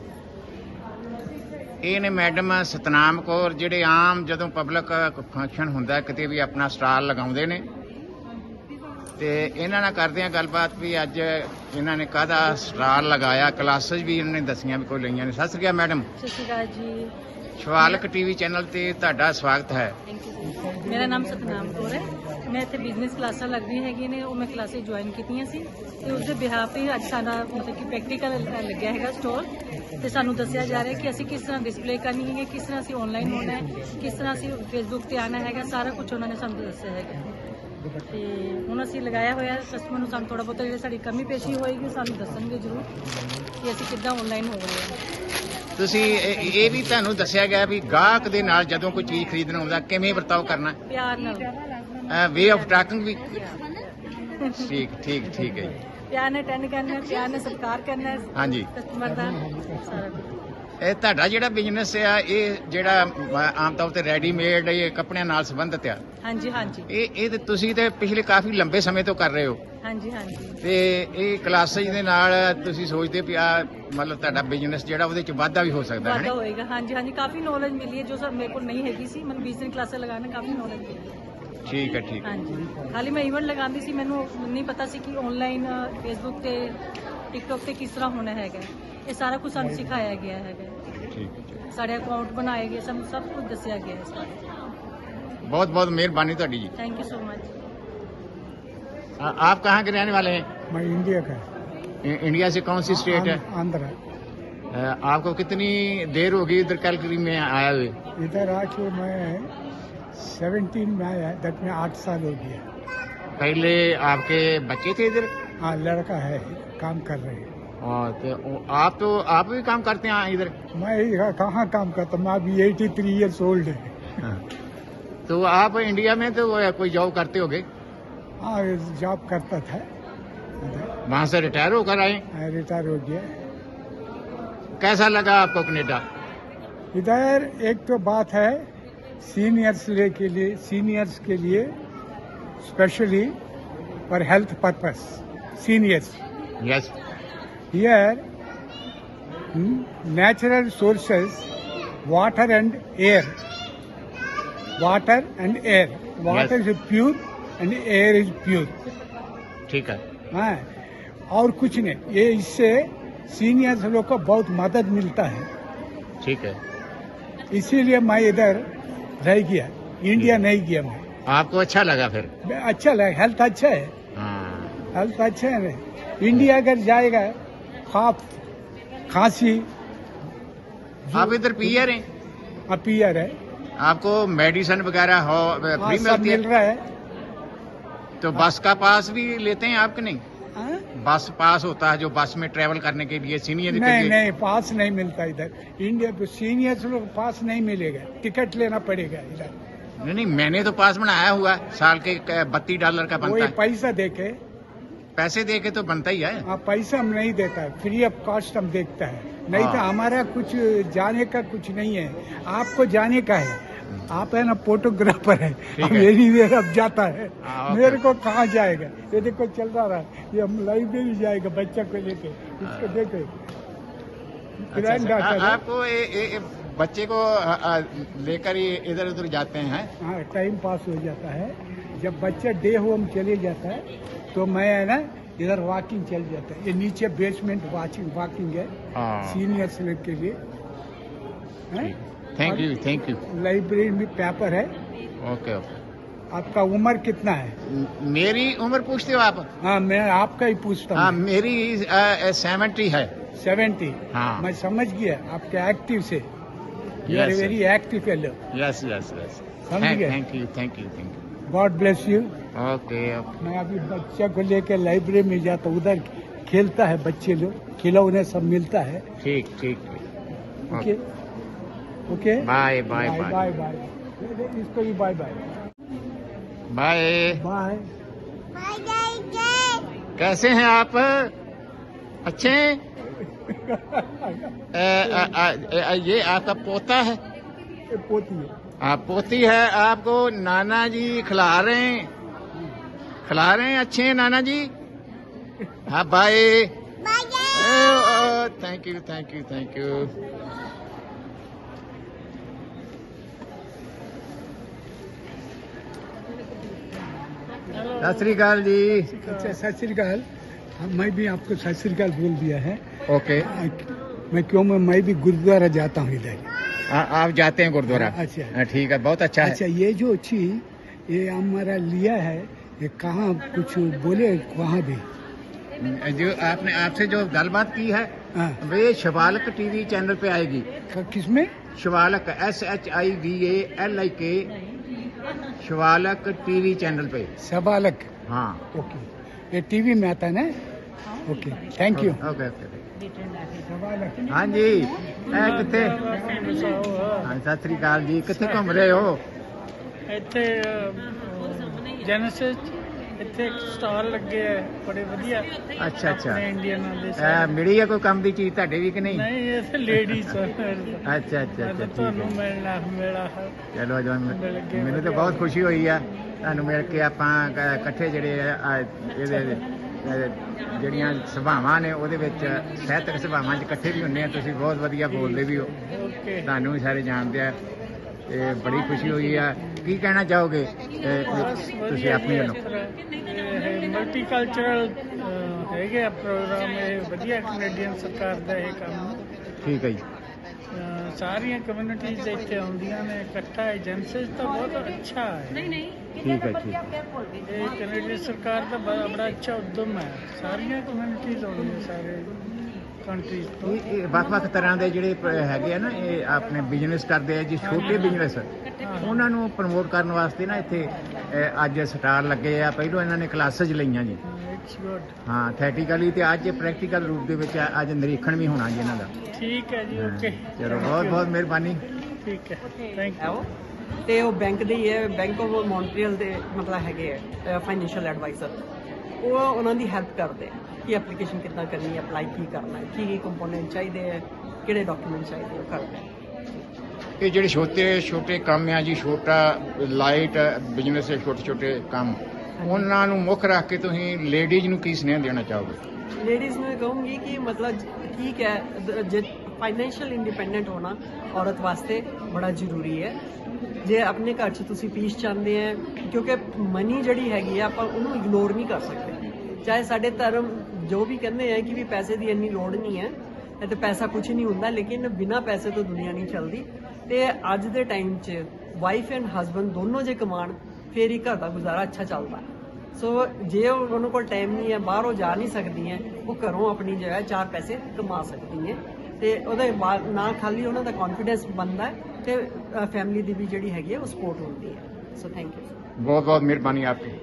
ਇਹ ਨੇ ਮੈਡਮ ਸਤਨਾਮ ਕੌਰ, ਜਿਹੜੇ ਆਮ ਜਦੋਂ ਪਬਲਿਕ ਫੰਕਸ਼ਨ ਹੁੰਦਾ ਕਿਤੇ ਵੀ ਆਪਣਾ ਸਟਾਲ ਲਗਾਉਂਦੇ ਨੇ, ਤੇ ਇਹਨਾਂ ਨਾਲ ਕਰਦੇ ਆ ਗੱਲਬਾਤ ਵੀ ਅੱਜ ਇਹਨਾਂ ਨੇ ਕਾਹਦਾ ਸਟਾਲ ਲਗਾਇਆ, ਕਲਾਸਿਸ ਵੀ ਇਹਨਾਂ ਨੇ ਦੱਸੀਆਂ ਵੀ ਕੋਈ ਲਈਆਂ ਨੇ। ਸਤਿ ਸ੍ਰੀ ਅਕਾਲ ਮੈਡਮ। ਸਤਿ ਸ਼੍ਰੀ ਅਕਾਲ ਜੀ। ਸ਼ਿਵਾਲਕ ਟੀਵੀ ਚੈਨਲ ਤੇ ਤੁਹਾਡਾ ਸਵਾਗਤ ਹੈ। ਮੇਰਾ ਨਾਮ ਸਤਨਾਮ ਕੌਰ ਹੈ। ਮੈਂ ਇੱਥੇ ਬਿਜ਼ਨਸ ਕਲਾਸਾਂ ਲੱਗਦੀਆਂ ਹੈਗੀਆਂ ਨੇ, ਉਹ ਮੈਂ ਕਲਾਸਿਸ ਜੁਆਇਨ ਕੀਤੀਆਂ ਸੀ, ਤੇ ਉਸ ਦੇ ਬਿਹਾਫ ਹੀ ਅੱਜ ਸਾਡਾ ਮਤਲਬ ਕਿ ਪ੍ਰੈਕਟੀਕਲ ਲੱਗਿਆ ਹੈਗਾ ਸਟੋਰ, ਤੇ ਸਾਨੂੰ ਦੱਸਿਆ ਜਾ ਰਿਹਾ ਕਿ ਅਸੀਂ ਕਿਸ ਤਰ੍ਹਾਂ ਡਿਸਪਲੇ ਕਰਨੀ ਹੈਗੀ, ਕਿਸ ਤਰ੍ਹਾਂ ਅਸੀਂ ਆਨਲਾਈਨ ਹੋਣਾ ਹੈ, ਕਿਸ ਤਰ੍ਹਾਂ ਅਸੀਂ ਫੇਸਬੁੱਕ ਤੇ ਆਉਣਾ ਹੈਗਾ, ਸਾਰਾ ਕੁਝ ਉਹਨਾਂ ਨੇ ਸਾਨੂੰ ਦੱਸਿਆ ਹੈਗਾ। ਤੇ ਹੁਣ ਅਸੀਂ ਲਗਾਇਆ ਹੋਇਆ ਕਸਟਮਰ ਨੂੰ, ਸਾਨੂੰ ਥੋੜਾ ਬਹੁਤਾ ਜਿਹੜੀ ਸਾਡੀ ਕਮੀ ਪੇਸ਼ੀ ਹੋਏਗੀ ਸਾਨੂੰ ਦੱਸਣਗੇ ਜ਼ਰੂਰ ਕਿ ਅਸੀਂ ਕਿੱਦਾਂ ਆਨਲਾਈਨ ਹੋ ਰਹੇ ਹਾਂ। ਤੁਸੀਂ ਇਹ ਇਹ ਵੀ ਤੁਹਾਨੂੰ ਦੱਸਿਆ ਗਿਆ ਵੀ ਗਾਹਕ ਦੇ ਨਾਲ ਜਦੋਂ ਕੋਈ ਚੀਜ਼ ਖਰੀਦਣ ਆਉਂਦਾ ਕਿਵੇਂ ਵਰਤਾਓ ਕਰਨਾ, ਪਿਆਰ ਨਾਲ, ਵੇ ਆਫ ਟਾਕਿੰਗ ਵੀ। ਠੀਕ ਠੀਕ ਠੀਕ ਹੈ ਜੀ। ਪਿਆਰ ਨਾਲ ਅਟੈਂਡ ਕਰਨਾ, ਪਿਆਰ ਨਾਲ ਸਤਿਕਾਰ ਕਰਨਾ ਹਾਂਜੀ। ਕਸਟਮਰ ਦਾ, ਸਾਰਾ ਕੁਝ। ਇਹ ਤੁਹਾਡਾ ਜਿਹੜਾ ਬਿਜ਼ਨਸ ਆ, ਇਹ ਜਿਹੜਾ ਅ, ਆਮ ਤੌਰ ਤੇ ਰੈਡੀਮੇਡ ਇਹ ਕੱਪੜਿਆਂ ਨਾਲ ਸੰਬੰਧਿਤ ਆ, ਹਾਂਜੀ ਹਾਂਜੀ ਇਹ ਇਹ ਤੇ ਤੁਸੀਂ ਤੇ ਪਿਛਲੇ ਕਾਫੀ ਲੰਬੇ ਸਮੇਂ ਤੋਂ ਕਰ ਰਹੇ ਹੋ, ਹਾਂਜੀ ਹਾਂਜੀ ਤੇ ਇਹ ਕਲਾਸਿਸ ਦੇ ਨਾਲ ਤੁਸੀਂ ਸੋਚਦੇ ਵੀ ਆ ਮਤਲਬ ਤੁਹਾਡਾ ਬਿਜ਼ਨਸ ਜਿਹੜਾ ਉਹਦੇ ਚ ਵਾਧਾ ਵੀ ਹੋ ਸਕਦਾ ਹੈ ਵਾਧਾ ਨਾ? ਹੋਏਗਾ। ਹਾਂਜੀ ਹਾਂਜੀ ਕਾਫੀ ਨੌਲੇਜ ਮਿਲੀ ਹੈ ਜੋ ਸਰ ਮੇਰੇ ਕੋਲ ਨਹੀਂ ਹੈਗੀ ਸੀ, ਮੈਨੂੰ ਬਿਜ਼ਨਸ ਕਲਾਸਾਂ ਲਗਾਉਣ ਨਾਲ ਕਾਫੀ ਨੌਲੇਜ ਮਿਲੀ ਹੈ। ਠੀਕ ਹੈ ਠੀਕ ਹੈ। ਹਾਂਜੀ, ਖਾਲੀ ਮੈਂ ਇਵੈਂਟ ਲਗਾਉਂਦੀ ਸੀ, ਮੈਨੂੰ ਨਹੀਂ ਪਤਾ ਸੀ ਕਿ ਆਨਲਾਈਨ ਫੇਸਬੁੱਕ ਤੇ ਟਿਕਟੋਕ ਤੇ ਕਿਸ ਤਰ੍ਹਾਂ ਹੋਣਾ ਹੈਗਾ, ਇਹ ਸਾਰਾ ਕੁਝ ਸਾਨੂੰ ਸਿਖਾਇਆ ਗਿਆ ਹੈਗਾ, ਠੀਕ ਹੈ। ਸਾਡੇ ਅਕਾਊਂਟ ਬਣਾਏ ਗਏ, ਸਾਨੂੰ ਸਭ ਕੁਝ ਦੱਸਿਆ ਗਿਆ ਹੈ ਸਾਰਾ। बहुत बहुत मेहरबानी ਤੁਹਾਡੀ जी। Thank you so much. आ- आप कहाँ के रहने वाले हैं? मैं इंडिया का इ- इंडिया से कौन सी स्टेट है? आंध्र। अ, आपको कितनी देर होगी इधर कैलकरी में आया हुए? इधर आके मैं सेवनटीन में आया, दट में आठ साल हो गया। पहले आपके बच्चे थे इधर? हाँ, लड़का है, काम कर रहे हैं। और तो ओ- आप तो आप भी काम करते हैं इधर? मैं यहाँ कहाँ काम करता, मैं अभी एटी थ्री ईयर्स ओल्ड है। हाँ। तो आप इंडिया में तो वो कोई जॉब करते होगे? हाँ, जॉब करता था इधर, वहाँ से रिटायर होकर आए? रिटायर हो गया। कैसा लगा आपको कनेडा? इधर एक तो बात है सीनियर्स ले के लिए सीनियर्स के लिए specially for health purpose seniors yes. Here natural sources water and air water and air water is pure and air is pure. ठीक है। हाँ, और कुछ नहीं, ये इससे सीनियर्स लोग को बहुत मदद मिलता है, ठीक है। इसीलिए मैं इधर रह गया, इंडिया नहीं गया मैं। आपको अच्छा लगा फिर? अच्छा लगा, हेल्थ अच्छा है, हाँ। हेल्थ अच्छा है ना। इंडिया अगर जाएगा खाप खांसी आप इधर पीआर हैं? अपीयर है, आपको मेडिसिन वगैरह हो हाँ, फ्री सब मिलती मिल है? रहा है। तो बस का पास भी लेते हैं आपके? नहीं, हाँ? बस पास होता है जो बस में ट्रेवल करने के लिए सीनियर के नहीं लिए? नहीं, पास नहीं मिलता इधर। इंडिया में सीनियर्स लोग पास नहीं मिलेगा, टिकट लेना पड़ेगा इधर। नहीं नहीं, मैंने तो पास बनाया हुआ है, साल के बत्तीस डॉलर का बनता वही है। पैसा देके, पैसे दे के तो बनता ही है। हाँ, पैसा हम नहीं देता है, फ्री ऑफ कॉस्ट हम देखता है, नहीं तो हाँ। हमारा कुछ जाने का कुछ नहीं है, आपको जाने का है। आप है ना फोटोग्राफर है, ठीक है। मेरी वेर अब जाता है, हाँ, ओके। मेरे को कहाँ जाएगा? ये देखो चल रहा है, ये हम लाइब्रेरी जाएगा बच्चा को लेके, इसको देखे अच्छा, ग्रैंड अच्छा। डॉटर आ- है। आपको ये ये- ये बच्चे को आ, आ, लेकर ही इधर उधर जाते हैं? हाँ, टाइम पास हो जाता है। जब बच्चा डे होम चले जाता है तो मैं है ना इधर वॉकिंग चल जाता है। ये नीचे बेसमेंट वॉकिंग वॉकिंग है हाँ। सीनियर स्लेब के लिए। Thank you, thank you. Library में पेपर है। Okay okay. आपका उम्र कितना है? म- मेरी उम्र पूछते हो आप? हाँ, मैं आपका ही पूछता हाँ, हूँ। मेरी सेवेंटी है। सेवेंटी। हाँ। मैं समझ गया आपके एक्टिव से। You are Yes, sir. Very active fellow. Yes yes yes. समझ गए? Thank you, thank you, thank you. God bless you. Okay okay. मैं अभी बच्चे को लेकर लाइब्रेरी में जाता हूँ, उधर खेलता है बच्चे लोग, खिलौने सब मिलता है। ठीक ठीक ठीक। Okay okay bye bye bye bye bye. इसको भी बाय बाय बाय। बाय। कैसे हैं आप? अच्छे हैं? ए, आ, आ, आ, ये आपका पोता है? ये पोती है। आप पोती है, आपको नाना जी खिला रहे हैं, खिला रहे हैं। अच्छे हैं नाना जी? हाँ bye. Thank you thank you thank you. सत श्री अकाल जी। अच्छा, सत श्री अकाल। हाँ, मैं भी आपको सत श्री अकाल बोल दिया है। ओके। मैं क्यों मैं मैं भी गुरुद्वारा जाता हूँ इधर। आ, आप जाते हैं गुरुद्वारा? अच्छा। हाँ, ठीक है, बहुत अच्छा है। अच्छा, ये जो चीज ये हमारा लिया है, ये कहाँ कुछ बोले वहाँ भी? जो आपने आपसे जो गलबात की है हाँ। वे शिवालक टीवी चैनल पे आएगी। किसमें? Shivalik, S H I V A L I K, Shivalik TV channel पे। सबालक। हाँ। ओके, ये टीवी में आता है ना? Okay, thank you. Okay okay. सबालक। हाँ जी, ए किथे? हाँ, सत श्री अकाल जी। किथे घूम रहे हो? ਇੱਥੇ ਜੈਨਸਿਸ ਇੱਥੇ ਇੱਕ ਸਟਾਲ ਲੱਗੇ ਹੈ ਬੜੇ ਵਧੀਆ। ਅੱਛਾ ਅੱਛਾ। ਆਪਣੇ ਇੰਡੀਅਨ ਵਾਲੇ ਇਹ ਸਾਰੇ। ਮਿਲੀ ਹੈ ਕੋਈ ਕੰਮ ਦੀ ਚੀਜ਼ ਤੁਹਾਡੇ ਵੀ ਕਿ ਨਹੀਂ? ਨਹੀਂ ਇੱਥੇ ਲੇਡੀਜ਼ ਅੱਛਾ ਅੱਛਾ ਅੱਛਾ, ਠੀਕ ਤੁਹਾਨੂੰ ਹੈ। ਮਿਲਣਾ ਮੇਰਾ ਚਲੋ ਜੋ ਮਿਲ ਗਏ, ਮੈਨੂੰ ਤਾਂ ਬਹੁਤ ਖੁਸ਼ੀ ਹੋਈ ਆ ਤੁਹਾਨੂੰ ਮਿਲ ਕੇ। ਆਪਾਂ ਕ- ਇਕੱਠੇ ਜਿਹੜੇ ਆ ਆ ਇਹਦੇ ਅ, ਜਿਹੜੀਆਂ ਸਭਾਵਾਂ ਨੇ ਉਹਦੇ ਵਿੱਚ ਸਾਹਿਤਕ ਸਭਾਵਾਂ 'ਚ ਇਕੱਠੇ ਵੀ ਹੁੰਦੇ ਆ। ਤੁਸੀਂ ਬਹੁਤ ਵਧੀਆ ਬੋਲਦੇ ਵੀ ਹੋ, ਓਕੇ। ਤੁਹਾਨੂੰ ਵੀ ਸਾਰੇ ਜਾਣਦੇ ਆ ਤੇ ਬੜੀ ਖੁਸ਼ੀ ਹੋਈ ਆ। ਕੀ ਕਹਿਣਾ ਚਾਹੋਗੇ ਇਹ, ਤੁਸੀਂ ਆਪਣੀ ਵੱਲੋਂ? ਮਲਟੀ ਕਲਚਰਲ ਹੈਗੇ ਆ ਪ੍ਰੋਗਰਾਮ, ਇਹ ਵਧੀਆ ਕੈਨੇਡੀਅਨ ਸਰਕਾਰ ਦਾ ਇਹ ਕੰਮ। ਠੀਕ ਹੈ ਜੀ। ਅਹ ਸਾਰੀਆਂ ਕਮਿਊਨਿਟੀਜ਼ ਇੱਥੇ ਆਉਂਦੀਆਂ ਨੇ ਇਕੱਠਾ। ਏਜੰਸੀਜ਼ ਤਾਂ ਬਹੁਤ ਅੱਛਾ ਹੈ। ਠੀਕ ਹੈ ਠੀਕ। ਇਹ ਕੈਨੇਡੀਅਨ ਸਰਕਾਰ ਦਾ ਬੜਾ ਬੜਾ ਅੱਛਾ ਉਦਮ ਹੈ। ਸਾਰੀਆਂ ਕਮਿਊਨਿਟੀਜ਼ ਆਉਂਦੀਆਂ ਸਾਰੇ ਕੰਟਰੀਜ਼ ਤੋਂ। ਇਹ ਇਹ ਵੱਖ-ਵੱਖ ਤਰ੍ਹਾਂ ਦੇ ਜਿਹੜੇ ਪ- ਹੈਗੇ ਆ ਨਾ, ਇਹ ਆਪਣੇ ਬਿਜ਼ਨਸ ਕਰਦੇ ਆ ਜੀ, ਛੋਟੇ ਬਿਜ਼ਨਸ, ਉਹਨਾਂ ਨੂੰ ਪ੍ਰਮੋਟ ਕਰਨ ਵਾਸਤੇ ਨਾ ਇੱਥੇ ਅ, ਅੱਜ ਸਟਾਲ ਲੱਗੇ ਆ। ਪਹਿਲਾਂ ਇਹਨਾਂ ਨੇ ਕਲਾਸਿਸ ਲਈਆਂ ਜੀ। It's good. ਹਾਂ, ਥੈਟੀਕਲੀ ਤੇ ਅੱਜ ਪ੍ਰੈਕਟੀਕਲ ਰੂਪ ਦੇ ਵਿੱਚ ਅੱਜ ਨਿਰੀਖਣ ਵੀ ਹੋਣਾ ਜੀ ਇਹਨਾਂ ਦਾ। ਠੀਕ ਹੈ ਜੀ, ਹਾਂ, ਓਕੇ। ਚਲੋ ਬਹੁਤ ਬਹੁਤ ਮਿਹਰਬਾਨੀ। ਠੀਕ ਹੈ, ਥੈਂਕ ਹੈ ਯੂ। ਉਹ ਤੇ ਉਹ ਬੈਂਕ ਦੇ ਹੀ ਹੈ, ਬੈਂਕ ਆਫ ਮੌਂਟਰੀਅਲ ਦੇ ਮਤਲਬ ਹੈਗੇ ਹੈ ਫਾਈਨੈਂਸ਼ੀਅਲ ਐਡਵਾਈਜ਼ਰ। ਉਹ ਉਹਨਾਂ ਦੀ ਹੈਲਪ ਕਰਦੇ ਆ ਕਿ ਐਪਲੀਕੇਸ਼ਨ ਕਿੱਦਾਂ ਕਰਨੀ ਹੈ, ਅਪਲਾਈ ਕੀ ਕਰਨਾ ਹੈ, ਕੀ ਕੀ ਕੰਪੋਨੈਂਟ ਚਾਹੀਦੇ ਹੈ, ਕਿਹੜੇ ਡਾਕੂਮੈਂਟ ਚਾਹੀਦੇ ਉਹ ਕਰਦੇ ਆ। ਇਹ ਜਿਹੜੇ ਛੋਟੇ ਛੋਟੇ ਕੰਮ ਆ ਜੀ, ਛੋਟਾ ਲਾਈਟ ਬਿਜ਼ਨਸ ਹੈ, ਛੋਟੇ ਛੋਟੇ ਕੰਮ, ਉਹਨਾਂ ਨੂੰ ਮੁੱਖ ਰੱਖ ਕੇ ਤੁਸੀਂ ਲੇਡੀਜ਼ ਨੂੰ ਕੀ ਸੁਨੇਹਾ ਦੇਣਾ ਚਾਹੋਗੇ? ਲੇਡੀਜ਼ ਨੂੰ ਇਹ ਕਹੂੰਗੀ ਕਿ ਮਤਲਬ ਠੀਕ ਹੈ, ਦ- ਜੇ ਫਾਈਨੈਂਸ਼ੀਅਲ ਇੰਡੀਪੈਂਡੈਂਟ ਹੋਣਾ ਔਰਤ ਵਾਸਤੇ ਬੜਾ ਜ਼ਰੂਰੀ ਹੈ। ਜੇ ਆਪਣੇ ਘਰ 'ਚ ਤੁਸੀਂ ਪੀਸ ਚਾਹੁੰਦੇ ਆ, ਕਿਉਂਕਿ ਮਨੀ ਜਿਹੜੀ ਹੈਗੀ ਆ ਆਪਾਂ ਉਹਨੂੰ ਇਗਨੋਰ ਨਹੀਂ ਕਰ ਸਕਦੇ। ਚਾਹੇ ਸਾਡੇ ਧਰਮ ਜੋ ਵੀ ਕਹਿੰਦੇ ਆ ਕਿ ਵੀ ਪੈਸੇ ਦੀ ਇੰਨੀ ਲੋੜ ਨਹੀਂ ਹੈ, ਇਹ ਤੇ ਪੈਸਾ ਕੁਝ ਨਹੀਂ ਹੁੰਦਾ, ਲੇਕਿਨ ਬਿਨਾਂ ਪੈਸੇ ਤੋਂ ਦੁਨੀਆ ਨਹੀਂ ਚੱਲਦੀ। ਤੇ ਅੱਜ ਦੇ ਟਾਈਮ 'ਚ ਵਾਈਫ ਐਂਡ ਹਸਬੰਡ ਦੋਨੋਂ ਜੇ ਕਮਾਣ ਫੇਰ ਹੀ ਘਰ ਦਾ ਗੁਜ਼ਾਰਾ ਅੱਛਾ ਚੱਲਦਾ। ਸੋ ਜੇ ਉਹਨਾਂ ਕੋਲ ਟਾਈਮ ਨਹੀਂ ਹੈ, ਬਾਹਰੋਂ ਜਾ ਨਹੀਂ ਸਕਦੀਆਂ, ਉਹ ਘਰੋਂ ਆਪਣੀ ਜੋ ਹੈ ਚਾਰ ਪੈਸੇ ਕਮਾ ਸਕਦੀਆਂ ਤੇ ਉਹਦੇ ਬਾਅਦ ਨਾ ਖਾਲੀ ਉਹਨਾਂ ਦਾ ਕੌਨਫੀਡੈਂਸ ਬਣਦਾ ਹੈ ਤੇ ਫੈਮਿਲੀ ਦੀ ਵੀ ਜਿਹੜੀ ਹੈਗੀ ਹੈ ਉਹ ਸਪੋਰਟ ਹੁੰਦੀ ਹੈ। So thank you. ਬਹੁਤ ਬਹੁਤ ਮਿਹਰਬਾਨੀ ਆਪਕੀ।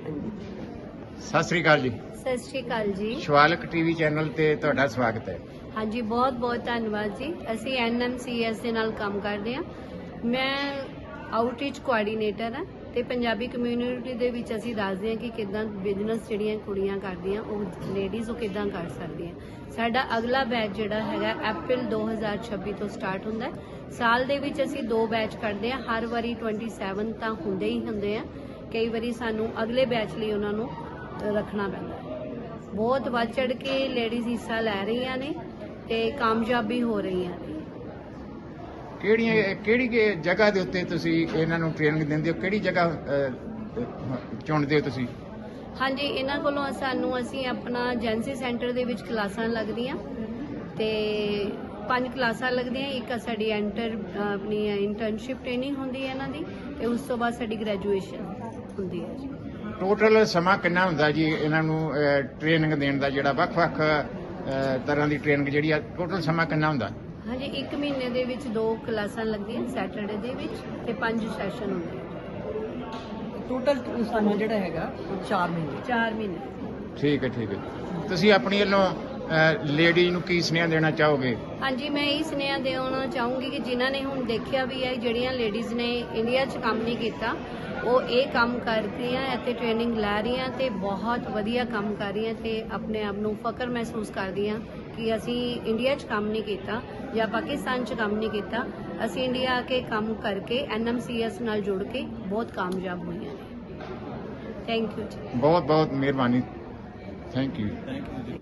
ਸਤਿ ਸ੍ਰੀ ਅਕਾਲ ਜੀ। ਸਤਿ ਸ਼੍ਰੀ ਅਕਾਲ ਜੀ। ਸ਼ਿਵਾਲਕ ਟੀਵੀ ਚੈਨਲ ਤੇ ਤੁਹਾਡਾ ਸਵਾਗਤ ਹੈ। ਹਾਂਜੀ, ਬਹੁਤ ਬਹੁਤ ਧੰਨਵਾਦ ਜੀ। ਅਸੀਂ ਐਨ ਐਮ ਸੀ ਐਸ ਦੇ ਨਾਲ ਕੰਮ ਕਰਦੇ ਹਾਂ। ਮੈਂ ਆਊਟਰੀਚ ਕੋਆਰਡੀਨੇਟਰ ਹਾਂ ਤੇ ਪੰਜਾਬੀ ਕਮਿਊਨਿਟੀ ਦੇ ਵਿੱਚ ਅਸੀਂ ਦੱਸਦੇ ਹਾਂ ਕਿ ਕਿੱਦਾਂ ਬਿਜ਼ਨਸ ਜਿਹੜੀਆਂ ਕੁੜੀਆਂ ਕਰਦੀਆਂ, ਉਹ ਲੇਡੀਜ਼ ਉਹ ਕਿੱਦਾਂ ਕਰ ਸਕਦੀਆਂ। ਸਾਡਾ ਅਗਲਾ ਬੈਚ ਜਿਹੜਾ ਹੈਗਾ ਅਪ੍ਰੈਲ ਦੋ ਹਜ਼ਾਰ ਛੱਬੀ ਤੋਂ ਸਟਾਰਟ ਹੁੰਦਾ ਹੈ। ਸਾਲ ਦੇ ਵਿੱਚ ਅਸੀਂ ਦੋ ਬੈਚ ਕਰਦੇ ਹਾਂ, ਹਰ ਵਾਰੀ ਸੱਤਾਈ ਤਾਂ ਹੁੰਦੇ ਹੀ ਹੁੰਦੇ ਆ, ਕਈ ਵਾਰੀ ਸਾਨੂੰ ਅਗਲੇ ਬੈਚ ਲਈ ਉਹਨਾਂ ਨੂੰ ਰੱਖਣਾ ਪੈਂਦਾ ਹੈ। ਬਹੁਤ ਵੱਧ ਚੜ ਕੇ ਲੇਡੀਜ਼ ਹਿੱਸਾ ਲੈ ਰਹੀਆਂ ਨੇ ਤੇ ਕਾਮਯਾਬ ਵੀ ਹੋ ਰਹੀਆਂ ਨੇ। ਕਿਹੜੀਆਂ ਕਿਹੜੀ ਕਿ ਜਗ੍ਹਾ ਦੇ ਉੱਤੇ ਤੁਸੀਂ ਇਹਨਾਂ ਨੂੰ ਟ੍ਰੇਨਿੰਗ ਦਿੰਦੇ ਹੋ, ਕਿਹੜੀ ਜਗ੍ਹਾ ਅਹ, ਚੁਣਦੇ ਹੋ ਤੁਸੀਂ? ਹਾਂਜੀ, ਇਹਨਾਂ ਕੋਲੋਂ ਸਾਨੂੰ ਅਸੀਂ ਆਪਣਾ ਏਜੰਸੀ ਸੈਂਟਰ ਦੇ ਵਿੱਚ ਕਲਾਸਾਂ ਲੱਗਦੀਆਂ ਤੇ ਪੰਜ ਕਲਾਸਾਂ ਲੱਗਦੀਆਂ। ਇੱਕ ਸਾਡੀ ਐਂਟਰ ਆਪਣੀ ਇੰਟਰਨਸ਼ਿਪ ਟ੍ਰੇਨਿੰਗ ਹੁੰਦੀ ਹੈ ਇਹਨਾਂ ਦੀ, ਤੇ ਉਸ ਤੋਂ ਬਾਅਦ ਸਾਡੀ ਗ੍ਰੈਜੂਏਸ਼ਨ ਹੁੰਦੀ ਹੈ ਜੀ। ਟੋਟਲ ਸਮਾਂ ਕਿੰਨਾ ਹੁੰਦਾ ਜੀ ਇਹਨਾਂ ਨੂੰ ਟ੍ਰੇਨਿੰਗ ਦੇਣ ਦਾ, ਜਿਹੜਾ ਵੱਖ-ਵੱਖ ਅਹ, ਤਰ੍ਹਾਂ ਦੀ ਟ੍ਰੇਨਿੰਗ ਜਿਹੜੀ ਆ, ਟੋਟਲ ਸਮਾਂ ਕਿੰਨਾ ਹੁੰਦਾ? ਹਾਂਜੀ, ਇੱਕ ਮਹੀਨੇ ਦੇ ਵਿੱਚ ਦੋ ਕਲਾਸਾਂ ਲੱਗਦੀਆਂ ਸੈਟਰਡੇ ਦੇ ਵਿੱਚ, ਤੇ ਪੰਜ ਸੈਸ਼ਨ ਹੁੰਦੇ ਟੋਟਲ ਸਮਾਂ ਜਿਹੜਾ ਹੈਗਾ ਉਹ ਚਾਰ ਮਹੀਨੇ ਚਾਰ ਮਹੀਨੇ। ਠੀਕ ਹੈ, ਠੀਕ ਹੈ। ਤੁਸੀਂ ਆਪਣੀ ਵੱਲੋਂ ਲੇਡੀ ਨੂੰ ਕੀ ਸੁਨੇਹਾ ਦੇਣਾ ਚਾਹੋਗੇ? ਹਾਂਜੀ, ਮੈਂ ਇਹ ਸੁਨੇਹਾ ਦੇਣਾ ਚਾਹੂੰਗੀ ਕਿ ਜਿਨ੍ਹਾਂ ਨੇ ਹੁਣ ਦੇਖਿਆ ਵੀ ਹੈ ਜਿਹੜੀਆਂ ਲੇਡੀਜ਼ ਨੇ ਇੰਡੀਆ 'ਚ ਕੰਮ ਨਹੀਂ ਕੀਤਾ, ਉਹ ਇਹ ਕੰਮ ਕਰ ਰਹੀਆਂ, ਇੱਥੇ ਟ੍ਰੇਨਿੰਗ ਲੈ ਰਹੀਆਂ ਤੇ ਬਹੁਤ ਵਧੀਆ ਕੰਮ ਕਰ ਰਹੀਆਂ ਤੇ ਆਪਣੇ ਆਪ ਨੂੰ ਫਖਰ ਮਹਿਸੂਸ ਕਰਦੀਆਂ ਕਿ ਅਸੀਂ ਇੰਡੀਆ 'ਚ ਕੰਮ ਨਹੀਂ ਕੀਤਾ ਜਾਂ ਪਾਕਿਸਤਾਨ 'ਚ ਕੰਮ ਨਹੀਂ ਕੀਤਾ, ਅਸੀਂ ਇੰਡੀਆ ਆ ਕੇ ਕੰਮ ਕਰਕੇ ਐਨ ਐਮ ਸੀ ਐਸ ਨਾਲ ਜੁੜ ਕੇ ਬਹੁਤ ਕਾਮਯਾਬ ਹੋਈਆਂ ਨੇ। ਥੈਂਕ ਯੂ ਜੀ। ਬਹੁਤ ਬਹੁਤ ਮਿਹਰਬਾਨੀ। Thank you.